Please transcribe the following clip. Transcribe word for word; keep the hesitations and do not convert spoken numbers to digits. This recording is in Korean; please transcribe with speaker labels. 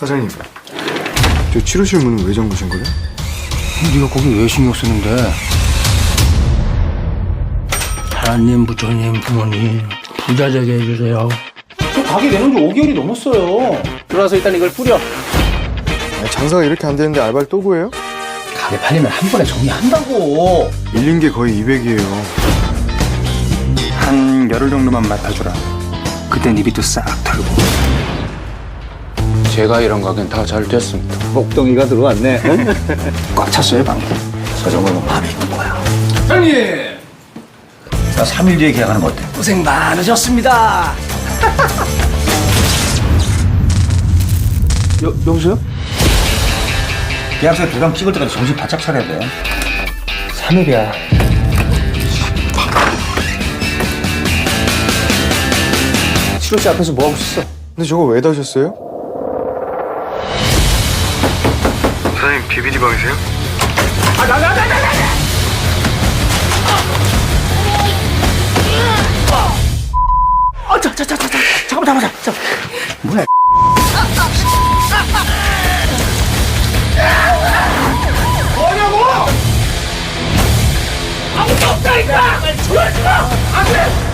Speaker 1: 사장님, 저 치료실 문은 왜 잠그신 거예요?
Speaker 2: 네가 거기 왜 신경 쓰는데? 하나님, 부처님, 부모님 부자 되게 해주세요. 저 가게 내놓은 지 오 개월이 넘었어요. 들어와서 일단 이걸 뿌려.
Speaker 1: 아니, 장사가 이렇게 안 되는데 알바를 또 구해요?
Speaker 2: 가게 팔리면 한 번에 정리한다고.
Speaker 1: 밀린 게 거의 이백이에요.
Speaker 2: 한 열흘 정도만 맡아주라. 그땐 이 빚도 싹 털고. 제가 이런 가게는 다 잘 됐습니다.
Speaker 3: 복덩이가 들어왔네. 응?
Speaker 2: 꽉 찼어요, 방금.
Speaker 3: 저 정도면 마음에 있는 거야.
Speaker 2: 형님!
Speaker 3: 나 삼 일 뒤에 계약하는 거 어때?
Speaker 2: 고생 많으셨습니다. 여, 여보세요?
Speaker 3: 계약서에 도장 찍을 때까지 정신 바짝 차려야 돼.
Speaker 2: 삼 일이야. 치료실 앞에서 뭐하고 있었어?
Speaker 1: 근데 저거 왜 다셨어요? 사장님, 비비디 방이세요?
Speaker 2: 아, 자, 자, 자, 자, 자, 잠깐만, 잠깐만, 잠깐만. 뭐야? 뭐냐고! 아무도 없다니까! 조용히 좀! 안 돼!